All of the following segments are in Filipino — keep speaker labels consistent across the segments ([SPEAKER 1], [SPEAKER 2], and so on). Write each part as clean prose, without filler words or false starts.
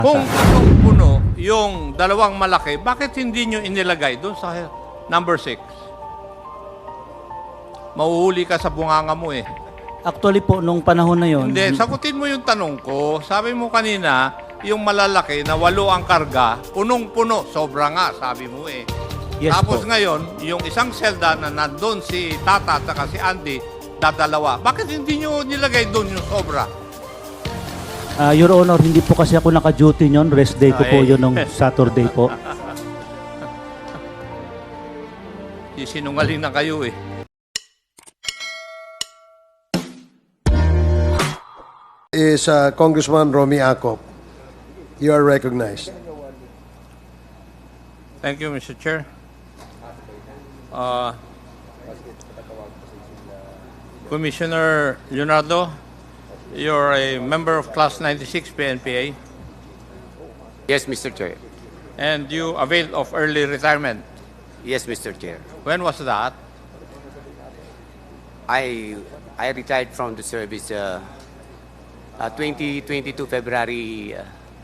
[SPEAKER 1] Kung punong-puno yung dalawang malaki, bakit hindi nyo inilagay doon sa number 6? Mauhuli ka sa bunganga mo eh.
[SPEAKER 2] Actually po, nung panahon na yon,
[SPEAKER 1] Hindi, sagutin mo yung tanong ko. Sabi mo kanina, yung malalaki na 8 ang karga, punong-puno, sobra nga, sabi mo eh.
[SPEAKER 2] yes
[SPEAKER 1] Tapos
[SPEAKER 2] po.
[SPEAKER 1] ngayon, yung isang selda na nandun si Tata at saka si Andy, dadalawa. Bakit hindi nyo nilagay doon yung sobra?
[SPEAKER 2] Your Honor, hindi po kasi ako naka-duty nyon. Rest day ko po
[SPEAKER 1] Ay.
[SPEAKER 2] yun nung Saturday po.
[SPEAKER 1] Sinungaling na kayo eh.
[SPEAKER 3] Is Congressman Romy Acop. You are recognized.
[SPEAKER 1] Thank you, Mr. Chair. Commissioner Leonardo, you're a member of Class 96 PNPA,
[SPEAKER 4] Yes, Mr. Chair.
[SPEAKER 1] and you availed of early retirement.
[SPEAKER 4] Yes, Mr. Chair.
[SPEAKER 1] When was that?
[SPEAKER 4] I retired from the service 2022 February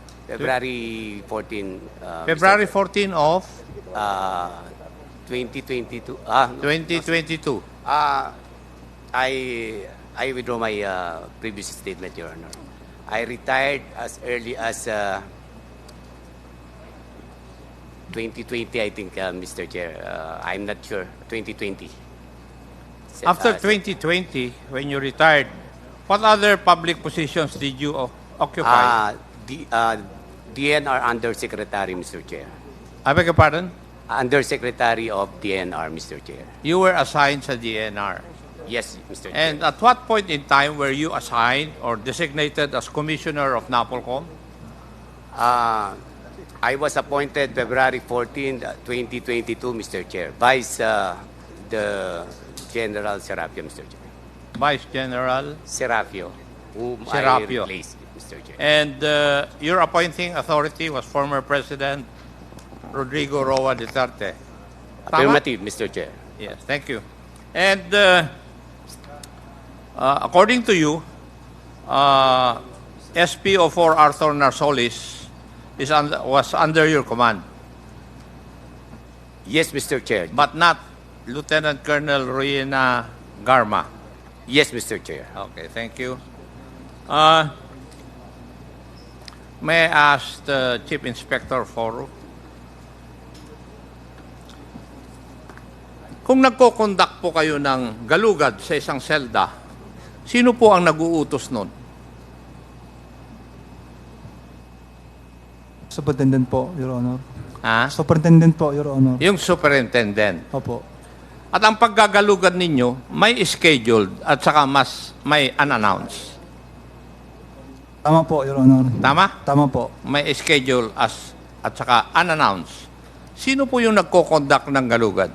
[SPEAKER 4] 14
[SPEAKER 1] February 14 of
[SPEAKER 4] 2022
[SPEAKER 1] 2022.
[SPEAKER 4] I withdraw my previous statement, Your Honor. I retired as early as 2020, I think, Mr. Chair. I'm not sure. 2020.
[SPEAKER 1] After 2020, when you retired, what other public positions did you occupy?
[SPEAKER 4] DNR Undersecretary, Mr. Chair.
[SPEAKER 1] I beg your pardon?
[SPEAKER 4] Undersecretary of DNR, Mr. Chair.
[SPEAKER 1] You were assigned sa DNR.
[SPEAKER 4] Yes, Mr. Chair.
[SPEAKER 1] And at what point in time were you assigned or designated as Commissioner of NAPOLCOM?
[SPEAKER 4] I was appointed February 14, 2022, Mr. Chair, Vice the General Serapio, Mr. Chair.
[SPEAKER 1] Vice General.
[SPEAKER 4] Serapio, whom
[SPEAKER 1] Serapio.
[SPEAKER 4] I replaced, Mr. Chair.
[SPEAKER 1] And your appointing authority was former President Rodrigo Roa Duterte. Tama?
[SPEAKER 4] Affirmative, Mr. Chair.
[SPEAKER 1] Yes, thank you. And according to you, SPO4 Arthur Narsolis was under your command,
[SPEAKER 4] Yes, Mr. Chair.
[SPEAKER 1] but not Lieutenant Colonel Ruina Garma.
[SPEAKER 4] Yes, Mr. Chair.
[SPEAKER 1] Okay, thank you. May I ask the Chief Inspector Foro? Kung nagko-conduct po kayo ng galugad sa isang selda, sino po ang nag-uutos nun?
[SPEAKER 5] Superintendent po, Your Honor.
[SPEAKER 1] Ha?
[SPEAKER 5] Superintendent po, Your Honor.
[SPEAKER 1] Yung superintendent.
[SPEAKER 5] Opo.
[SPEAKER 1] At ang paggagalugad ninyo, may scheduled at saka mas may unannounced.
[SPEAKER 5] Tama po, Your Honor.
[SPEAKER 1] Tama?
[SPEAKER 5] Tama po.
[SPEAKER 1] May schedule at saka unannounced. Sino po yung nagko-conduct ng galugad?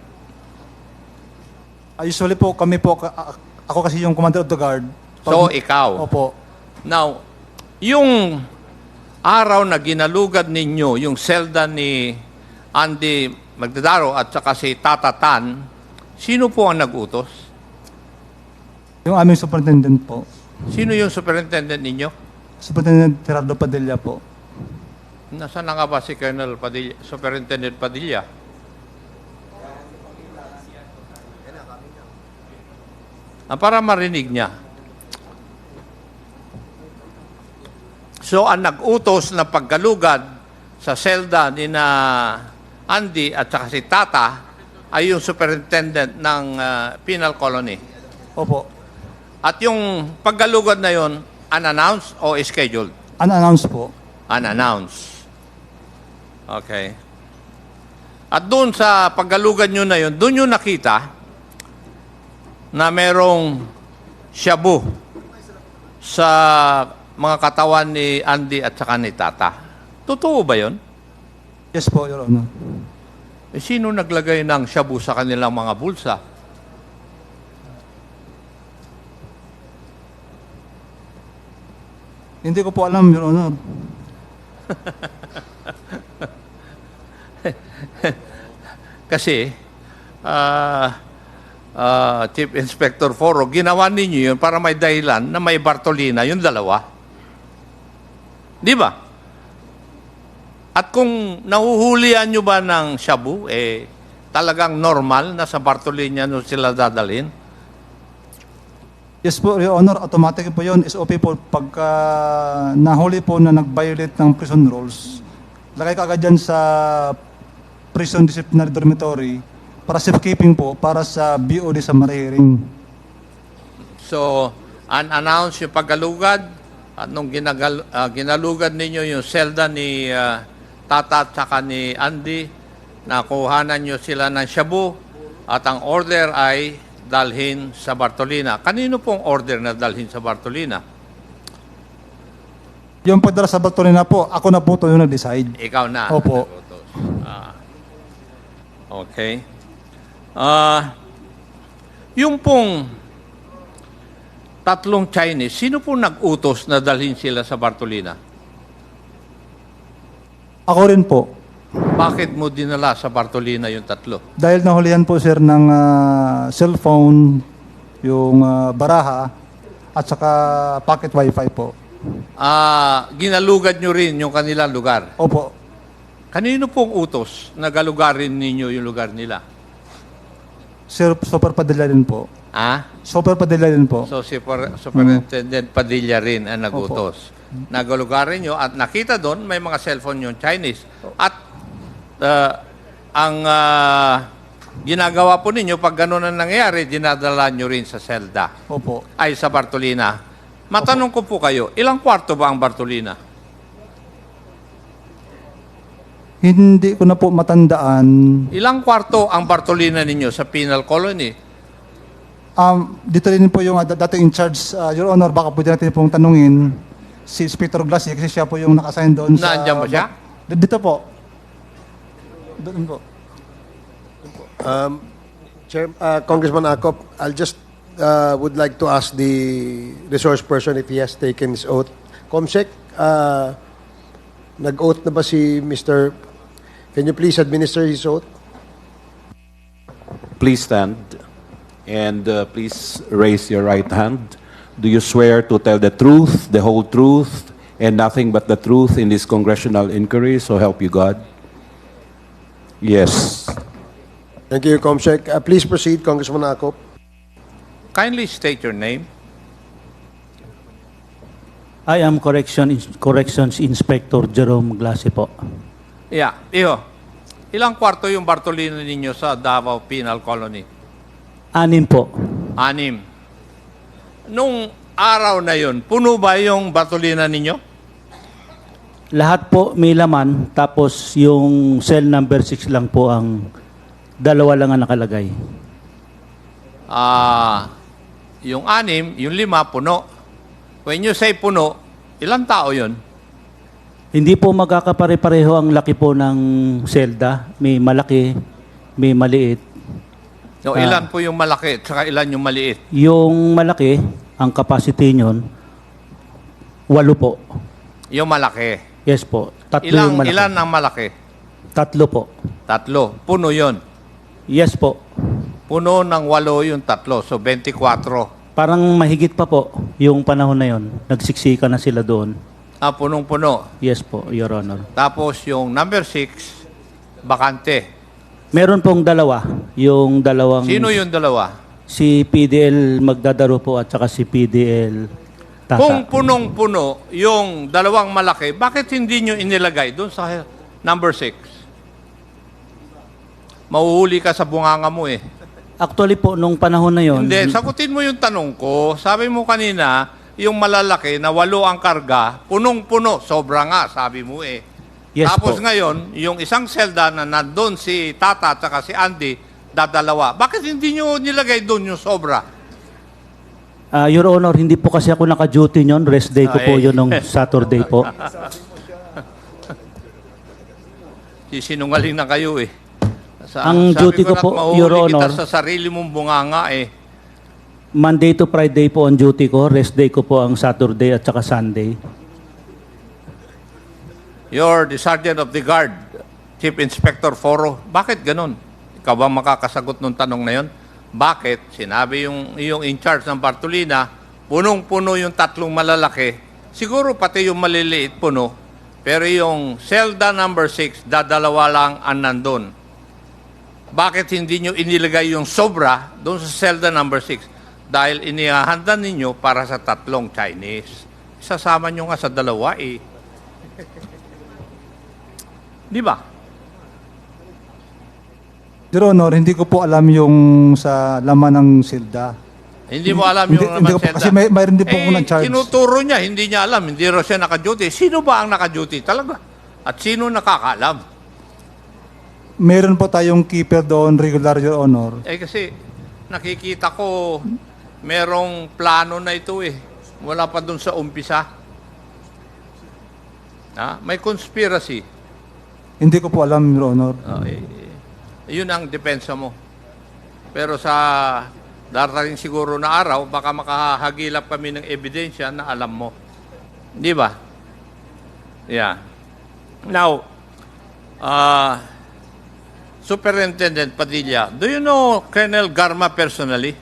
[SPEAKER 5] Usually po, kami po, ako kasi yung commander of the guard.
[SPEAKER 1] So, ikaw.
[SPEAKER 5] Opo.
[SPEAKER 1] Now, yung araw na ginalugad ninyo, yung selda ni Andy Magdadaro at saka si Tata Tan, sino po ang nag-utos?
[SPEAKER 5] Yung aming superintendent po.
[SPEAKER 1] Sino yung superintendent ninyo?
[SPEAKER 5] Superintendent Gerardo Padilla po.
[SPEAKER 1] Nasaan na nga ba si Colonel Padilla, Superintendent Padilla? Para marinig niya. So, ang nag-utos na paggalugad sa selda ni na Andy at saka si Tata ay yung superintendent ng penal colony.
[SPEAKER 5] Opo.
[SPEAKER 1] At yung paggalugad na yon, unannounced o scheduled?
[SPEAKER 5] Unannounced po.
[SPEAKER 1] Unannounced. Okay. At doon sa paggalugad nyo na yun, doon nyo nakita na merong shabu sa mga katawan ni Andy at saka ni Tata. Totoo ba yun?
[SPEAKER 5] Yes po, Your Honor.
[SPEAKER 1] Eh, sino naglagay ng shabu sa kanilang mga bulsa?
[SPEAKER 5] Hindi ko po alam, Your Honor.
[SPEAKER 1] Kasi, Chief Inspector Foro, ginawa ninyo yun para may dahilan na may Bartolina, yung dalawa. Di ba? At kung nahuhulihan nyo ba ng shabu, talagang normal na sa Bartolina nyo sila dadalhin?
[SPEAKER 5] Yes po, Your Honor, automatic po yun. SOP po, pagka nahuli po na nag-violate ng prison rules, lagay ka agad dyan sa prison disciplinary dormitory para safekeeping po, para sa BOD sa marihiring.
[SPEAKER 1] So, unannounced yung paggalugad at nung ginalugad ninyo yung selda ni Tata at saka ni Andy, nakuhanan nyo sila ng shabu at ang order ay dalhin sa Bartolina. Kanino pong order na dalhin sa Bartolina?
[SPEAKER 5] Yung pagdala sa Bartolina po, ako na po ito yung nag-decide.
[SPEAKER 1] Ikaw na.
[SPEAKER 5] Opo.
[SPEAKER 1] Okay. Yung pong tatlong Chinese, sino po nag-utos na dalhin sila sa Bartolina?
[SPEAKER 5] Ako rin po.
[SPEAKER 1] Bakit mo dinala sa Bartolina yung tatlo?
[SPEAKER 5] Dahil nahulihan po sir ng cellphone, yung baraha, at saka pocket wifi po.
[SPEAKER 1] Ginalugad nyo rin yung kanilang lugar.
[SPEAKER 5] Opo.
[SPEAKER 1] Kanino pong utos na galugarin ninyo yung lugar nila?
[SPEAKER 5] Sir, Super Padilla rin po. Super Padilla rin po.
[SPEAKER 1] So si Superintendent Padilla rin ang nagutos. Nagalugarin nyo at nakita doon may mga cellphone yung Chinese. At ang ginagawa po ninyo pag ganun ang nangyayari, dinadala nyo rin sa selda.
[SPEAKER 5] Opo.
[SPEAKER 1] Ay sa Bartolina. Matanong ko po kayo, ilang kwarto ba ang Bartolina?
[SPEAKER 5] Hindi ko na po matandaan.
[SPEAKER 1] Ilang kwarto ang Bartolina ninyo sa penal colony?
[SPEAKER 5] Dito rin po yung dating in charge, Your Honor, baka pwede natin pong tanungin si Inspector Glassy kasi siya po yung naka-assign doon sa...
[SPEAKER 1] Nandiyan ba siya?
[SPEAKER 5] Dito po. Doon po.
[SPEAKER 3] Congressman Acop, I'll just would like to ask the resource person if he has taken his oath. Comsec, nag-oath na ba si Mr. Can you please administer his oath?
[SPEAKER 6] Please stand and please raise your right hand. Do you swear to tell the truth, the whole truth, and nothing but the truth in this congressional inquiry? So help you God. Yes.
[SPEAKER 3] Thank you, Comsec. Please proceed, Congressman Acop.
[SPEAKER 1] Kindly state your name.
[SPEAKER 2] I am Corrections Inspector Jerome Glassy po.
[SPEAKER 1] Yeah, iho. Ilang kwarto yung Bartolina ninyo sa Davao Penal Colony?
[SPEAKER 2] 6 po.
[SPEAKER 1] 6. Nung araw na yon, puno ba yung Bartolina ninyo?
[SPEAKER 2] Lahat po may laman, tapos yung cell number 6 lang po ang 2 lang ang nakalagay.
[SPEAKER 1] Yung 6, yung 5, puno. When you say puno, ilang tao yon?
[SPEAKER 2] Hindi po magkakapare-pareho ang laki po ng selda. May malaki, may maliit.
[SPEAKER 1] No, ilan po yung malaki at saka ilan yung maliit?
[SPEAKER 2] Yung malaki, ang capacity nyon, 8 po.
[SPEAKER 1] Yung malaki.
[SPEAKER 2] Yes po. 3 yung malaki.
[SPEAKER 1] Ilan ang malaki?
[SPEAKER 2] 3 po.
[SPEAKER 1] 3. Puno yon.
[SPEAKER 2] Yes po.
[SPEAKER 1] Puno ng 8 yung 3. So, 24.
[SPEAKER 2] Parang mahigit pa po yung panahon na yon. Nagsiksika na sila doon.
[SPEAKER 1] Punong-puno.
[SPEAKER 2] Yes po, Your Honor.
[SPEAKER 1] Tapos yung number 6, bakante.
[SPEAKER 2] Meron pong 2. Yung dalawang...
[SPEAKER 1] Sino yung dalawa?
[SPEAKER 2] Si PDL Magdadaro po at saka si PDL Tata.
[SPEAKER 1] Kung punong-puno yung dalawang malaki, bakit hindi nyo inilagay doon sa number 6? Mahuhuli ka sa bunganga mo eh.
[SPEAKER 2] Actually po, nung panahon na yon.
[SPEAKER 1] Hindi, sagutin mo yung tanong ko. Sabi mo kanina, yung malalaki na 8 ang karga, punong-puno, sobra nga, sabi mo eh.
[SPEAKER 2] Yes
[SPEAKER 1] Tapos
[SPEAKER 2] po.
[SPEAKER 1] ngayon, yung isang selda na nandun si Tata at saka si Andy, dadalawa. Bakit hindi nyo nilagay doon yung sobra?
[SPEAKER 2] Your Honor, hindi po kasi ako naka-duty nyon. Rest day ko po
[SPEAKER 1] Ay.
[SPEAKER 2] yun nung Saturday po.
[SPEAKER 1] Sinungaling na kayo eh.
[SPEAKER 2] Ang duty ko
[SPEAKER 1] na't
[SPEAKER 2] po,
[SPEAKER 1] mahuli
[SPEAKER 2] Your Honor,
[SPEAKER 1] kita sa sarili mong bunganga eh.
[SPEAKER 2] Monday to Friday po ang duty ko. Rest day ko po ang Saturday at saka Sunday.
[SPEAKER 1] You're the Sergeant of the Guard, Chief Inspector Foro. Bakit ganun? Ikaw ba makakasagot ng tanong na yon? Bakit? Sinabi yung in charge ng Bartolina, punong-puno yung 3 malalaki. Siguro pati yung maliliit puno. Pero yung selda number 6, dadalawa lang ang nandun. Bakit hindi nyo inilagay yung sobra doon sa selda number 6? Dahil inihahanda ninyo para sa 3 Chinese. Sasama nyo nga sa 2 eh. Di ba?
[SPEAKER 5] Your Honor, hindi ko po alam yung sa laman ng silda.
[SPEAKER 1] Hindi mo alam
[SPEAKER 5] Hindi-
[SPEAKER 1] yung
[SPEAKER 5] hindi
[SPEAKER 1] naman
[SPEAKER 5] ko po- kasi mayroon din po ako na-charge.
[SPEAKER 1] Tinuturo niya, hindi niya alam, hindi raw siya naka-duty. Sino ba ang naka-duty talaga? At sino nakakaalam?
[SPEAKER 5] Meron po tayong keeper doon, regular, Your Honor.
[SPEAKER 1] Kasi nakikita ko merong plano na ito eh. Wala pa dun sa umpisa. May conspiracy.
[SPEAKER 5] Hindi ko po alam, Your Honor.
[SPEAKER 1] Yun ang depensa mo. Pero sa darating siguro na araw, baka makahagilap kami ng ebidensya na alam mo. Di ba? Yeah. Now, Superintendent Padilla, do you know Colonel Garma personally?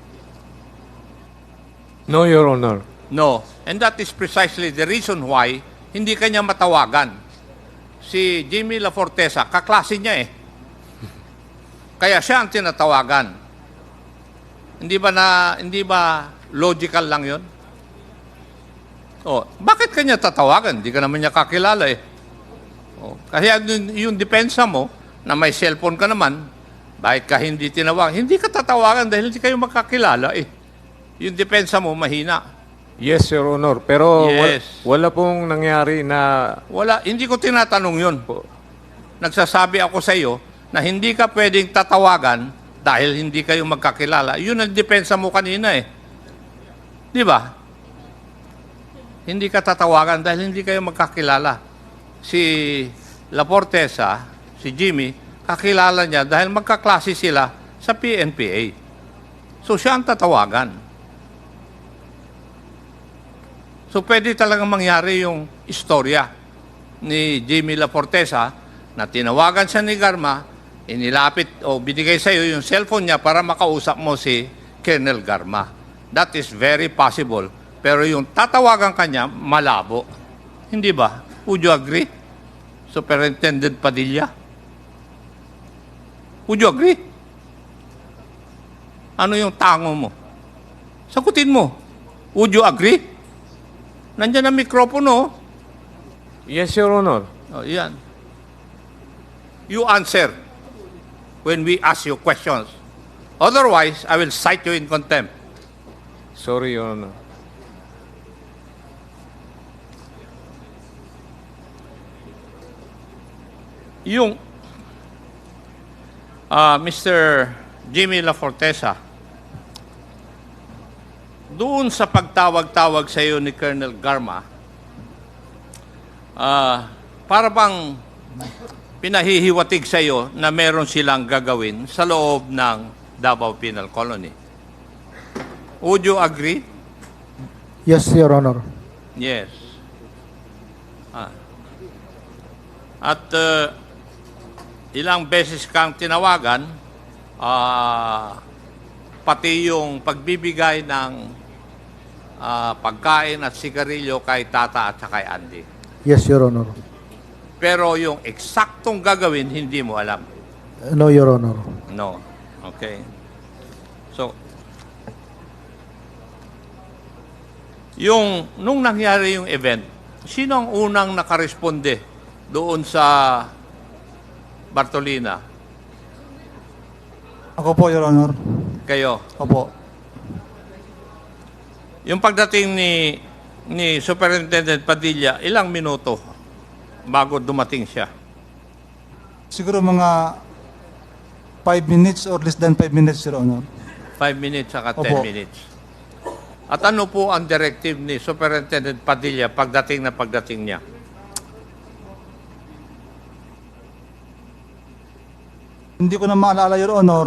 [SPEAKER 7] No, Your Honor.
[SPEAKER 1] No. And that is precisely the reason why hindi kanya matawagan. Si Jimmy La Fortesa, kaklase niya eh. Kaya siya ang tinatawagan. Hindi ba logical lang 'yon? Oh, bakit kanya tatawagan? Hindi ka naman niya kakilala eh. Oh, kasi yung depensa mo na may cellphone ka naman, bakit ka hindi tinawag? Hindi ka tatawagan dahil hindi kayo magkakilala eh. Yung depensa mo mahina.
[SPEAKER 7] Yes, Your Honor. Pero
[SPEAKER 1] Yes.
[SPEAKER 7] wala pong nangyari na...
[SPEAKER 1] Wala, hindi ko tinatanong yun. Nagsasabi ako sa iyo na hindi ka pwedeng tatawagan dahil hindi kayo magkakilala. Yun ang depensa mo kanina eh. Di ba? Hindi ka tatawagan dahil hindi kayo magkakilala. Si La Fortesa, si Jimmy, kakilala niya dahil magkaklase sila sa PNPA. So siya ang tatawagan. So pwede talagang mangyari yung istorya ni Jimmy La Fortesa na tinawagan siya ni Garma, inilapit o binigay sa iyo yung cellphone niya para makausap mo si Colonel Garma. That is very possible. Pero yung tatawagan kanya, malabo. Hindi ba? Would you agree? Superintendent Padilla? Would you agree? Ano yung tango mo? Sagutin mo. Would you agree? Nandiyan ang mikropono.
[SPEAKER 7] Yes, Your Honor.
[SPEAKER 1] Oh, yan. You answer when we ask you questions. Otherwise, I will cite you in contempt.
[SPEAKER 7] Sorry, Your Honor.
[SPEAKER 1] Yung Mr. Jimmy La Fortesa, doon sa pagtawag-tawag sa iyo ni Colonel Garma, para bang pinahihiwatig sa iyo na meron silang gagawin sa loob ng Davao Penal Colony. Would you agree?
[SPEAKER 8] Yes, Your Honor.
[SPEAKER 1] Yes. At ilang beses kang tinawagan, pati yung pagbibigay ng pagkain at sigarilyo kay Tata at kay Andy.
[SPEAKER 8] Yes, Your Honor.
[SPEAKER 1] Pero yung eksaktong gagawin, hindi mo alam.
[SPEAKER 8] No, Your Honor.
[SPEAKER 1] No. Okay. So, nung nangyari yung event, sino ang unang nakaresponde doon sa Bartolina?
[SPEAKER 5] Ako po, Your Honor.
[SPEAKER 1] Kayo.
[SPEAKER 5] Opo.
[SPEAKER 1] Yung pagdating ni Superintendent Padilla, ilang minuto bago dumating siya?
[SPEAKER 5] Siguro mga 5 minutes or less than 5 minutes, Your Honor.
[SPEAKER 1] 5 minutes saka 10
[SPEAKER 5] Opo.
[SPEAKER 1] minutes. At ano po ang directive ni Superintendent Padilla pagdating niya?
[SPEAKER 5] Hindi ko na maalala, Your Honor.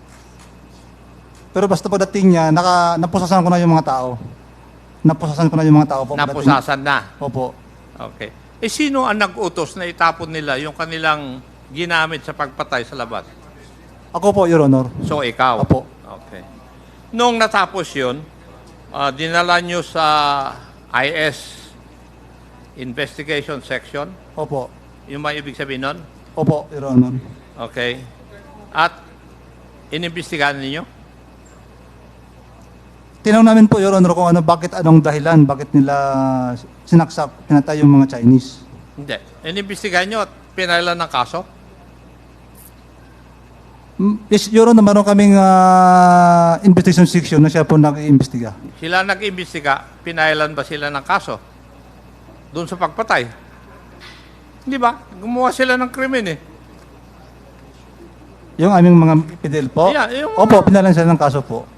[SPEAKER 5] Pero basta pagdating niya, napusasan ko na yung mga tao. Napusasan ko na yung mga tao po. pagdating-
[SPEAKER 1] Napusasan na.
[SPEAKER 5] Opo.
[SPEAKER 1] Okay. Sino ang nag-utos na itapon nila yung kanilang ginamit sa pagpatay sa labas?
[SPEAKER 5] Ako po, Your Honor.
[SPEAKER 1] So, ikaw?
[SPEAKER 5] Opo.
[SPEAKER 1] Okay. Nung natapos yun, dinala nyo sa IS, investigation section.
[SPEAKER 5] Opo.
[SPEAKER 1] Yung ba ibig sabihin nun?
[SPEAKER 5] Opo, Your Honor.
[SPEAKER 1] Okay. At inimbestigahan ninyo?
[SPEAKER 5] Tinanong namin po, Your Honor, kung anong dahilan, bakit nila sinaksak, pinatay yung mga Chinese.
[SPEAKER 1] Hindi. Inimbestigahan nyo at pinailan ng kaso?
[SPEAKER 5] Yes, Your Honor, meron kaming investigation section na siya po nag-iimbestiga.
[SPEAKER 1] Sila nag-imbestiga, pinailan ba sila ng kaso? Doon sa pagpatay? Hindi ba? Gumawa sila ng krimen eh.
[SPEAKER 5] Yung aming mga PDL po?
[SPEAKER 1] Yeah, yung-
[SPEAKER 5] Opo, pinalan sila ng kaso po.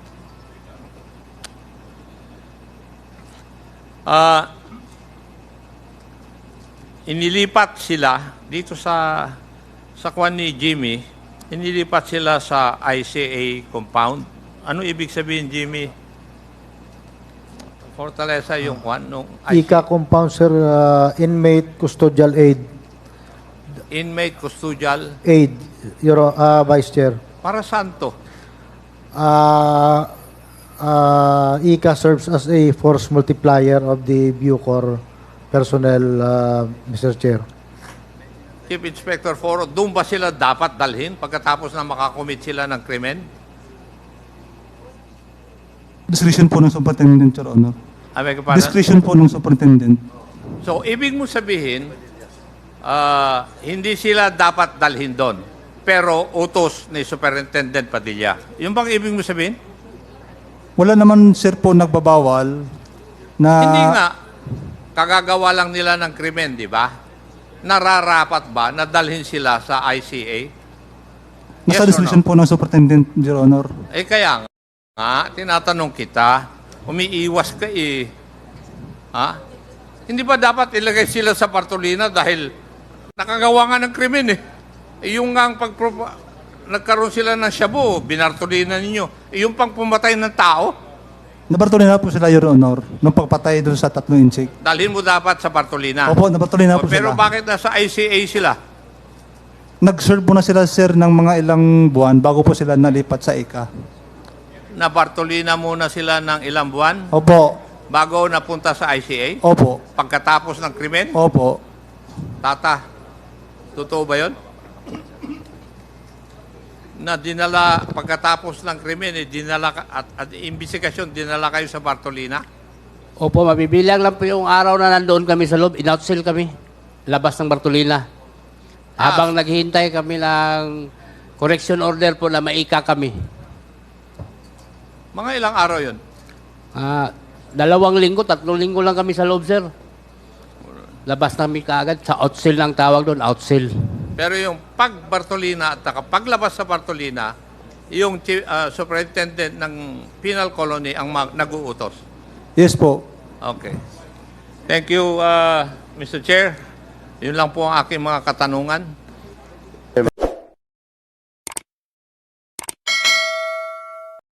[SPEAKER 1] Inilipat sila dito sa kwan ni Jimmy, inilipat sila sa ICA compound. Ano ibig sabihin, Jimmy? Fortaleza yung kwan nung
[SPEAKER 8] ICA compound, sir, inmate custodial aid.
[SPEAKER 1] inmate custodial.
[SPEAKER 8] Aid, Vice Chair.
[SPEAKER 1] Para saan to?
[SPEAKER 8] ICA serves as a force multiplier of the Bucor personnel, Mr. Chair.
[SPEAKER 1] Chief Inspector Foro, doon ba sila dapat dalhin pagkatapos na makakomit sila ng krimen?
[SPEAKER 5] Discretion po ng superintendent, Your Honor.
[SPEAKER 1] Abay ka pa
[SPEAKER 5] Discretion po ng superintendent.
[SPEAKER 1] So, ibig mo sabihin, hindi sila dapat dalhin doon. Pero utos ni Superintendent Padilla. Yung bang ibig mo sabihin?
[SPEAKER 5] Wala naman, sir, po nagbabawal na...
[SPEAKER 1] Hindi nga. Kagagawa lang nila ng krimen, di ba? Nararapat ba na dalhin sila sa ICA?
[SPEAKER 5] Nasa
[SPEAKER 1] Yes or
[SPEAKER 5] discretion
[SPEAKER 1] no?
[SPEAKER 5] po ng superintendent, Your Honor.
[SPEAKER 1] Eh kaya nga, tinatanong kita, umiiwas ka eh. Ha? Hindi ba dapat ilagay sila sa partolina dahil nakagawa nga ng krimen eh? Eh yung nga nagkaroon sila ng shabu, binartolina ninyo. Eh yung pang pumatay ng tao,
[SPEAKER 5] Nabartolina po sila, Your Honor, nung pagpatay doon sa 3 insik.
[SPEAKER 1] dalhin mo dapat sa partolina.
[SPEAKER 5] Opo, nabartolina po
[SPEAKER 1] Pero
[SPEAKER 5] sila.
[SPEAKER 1] bakit nasa ICA sila?
[SPEAKER 5] Nag-serve po na sila, sir, ng mga ilang buwan bago po sila nalipat sa ICA.
[SPEAKER 1] Na partolina muna sila ng ilang buwan
[SPEAKER 5] Opo,
[SPEAKER 1] bago napunta sa ICA?
[SPEAKER 5] opo,
[SPEAKER 1] Pagkatapos ng krimen?
[SPEAKER 5] opo.
[SPEAKER 1] Tata, totoo ba yun? Na dinala, pagkatapos ng krimen, dinala, at imbestigasyon, dinala kayo sa Bartolina?
[SPEAKER 9] Opo, mabibilang lang po yung araw na nandoon kami sa loob. In-outsell kami. Labas ng Bartolina. Habang naghihintay kami ng correction order po na maika kami.
[SPEAKER 1] Mga ilang araw yun?
[SPEAKER 9] 2 linggo, 3 linggo lang kami sa loob, sir. Labas namin kaagad. Sa outsell lang tawag doon, outsell.
[SPEAKER 1] Pero yung pag-Bartolina at paglabas sa Bartolina, yung superintendent ng penal colony ang nag-uutos.
[SPEAKER 5] Yes po.
[SPEAKER 1] Okay. Thank you, Mr. Chair. Yun lang po ang aking mga katanungan.